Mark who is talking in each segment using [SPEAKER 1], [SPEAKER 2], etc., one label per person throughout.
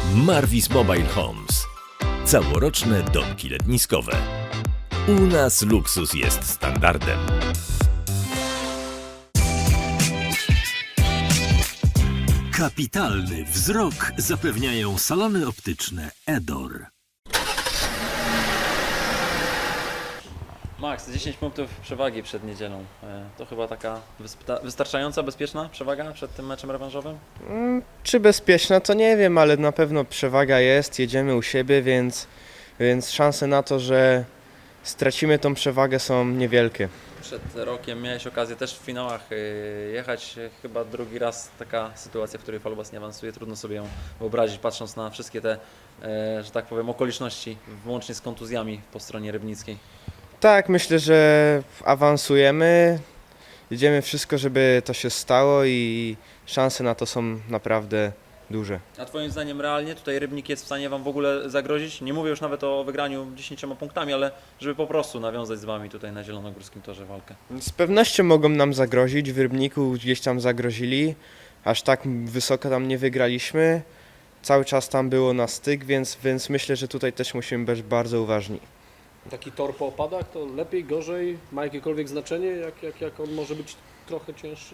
[SPEAKER 1] Marvis Mobile Homes. Całoroczne domki letniskowe. U nas luksus jest standardem. Kapitalny wzrok zapewniają salony optyczne Edor.
[SPEAKER 2] Max, 10 punktów przewagi przed niedzielą. To chyba taka wystarczająca, bezpieczna przewaga przed tym meczem rewanżowym?
[SPEAKER 3] Czy bezpieczna, to nie wiem, ale na pewno przewaga jest, jedziemy u siebie, więc szanse na to, że stracimy tą przewagę, są niewielkie.
[SPEAKER 2] Przed rokiem miałeś okazję też w finałach jechać. Chyba drugi raz taka sytuacja, w której Falubas nie awansuje. Trudno sobie ją wyobrazić, patrząc na wszystkie te, że tak powiem, okoliczności, włącznie z kontuzjami po stronie rybnickiej.
[SPEAKER 3] Tak, myślę, że awansujemy, jedziemy wszystko, żeby to się stało i szanse na to są naprawdę duże.
[SPEAKER 2] A Twoim zdaniem realnie tutaj Rybnik jest w stanie Wam w ogóle zagrozić? Nie mówię już nawet o wygraniu 10 punktami, ale żeby po prostu nawiązać z Wami tutaj na zielonogórskim torze walkę.
[SPEAKER 3] Z pewnością mogą nam zagrozić, w Rybniku gdzieś tam zagrozili, aż tak wysoko tam nie wygraliśmy. Cały czas tam było na styk, więc myślę, że tutaj też musimy być bardzo uważni.
[SPEAKER 4] Taki tor po opadach to lepiej, gorzej? Ma jakiekolwiek znaczenie, jak on może być trochę cięższy?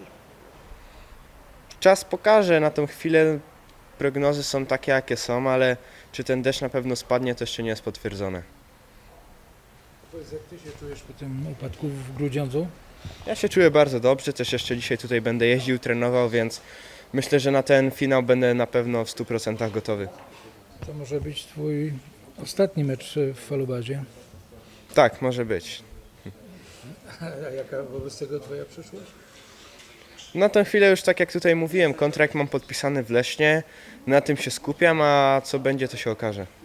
[SPEAKER 3] Czas pokaże, na tą chwilę prognozy są takie, jakie są, ale czy ten deszcz na pewno spadnie, to jeszcze nie jest potwierdzone.
[SPEAKER 5] Powiedz, jak Ty się czujesz po tym upadku w Grudziądzu?
[SPEAKER 3] Ja się czuję bardzo dobrze, też jeszcze dzisiaj tutaj będę jeździł, trenował, więc myślę, że na ten finał będę na pewno w 100% gotowy.
[SPEAKER 5] To może być Twój ostatni mecz w Falubazie.
[SPEAKER 3] Tak, może być.
[SPEAKER 5] A jaka wobec tego Twoja przyszłość?
[SPEAKER 3] Na tę chwilę już tak jak tutaj mówiłem, kontrakt mam podpisany w Lesznie, na tym się skupiam, a co będzie, to się okaże.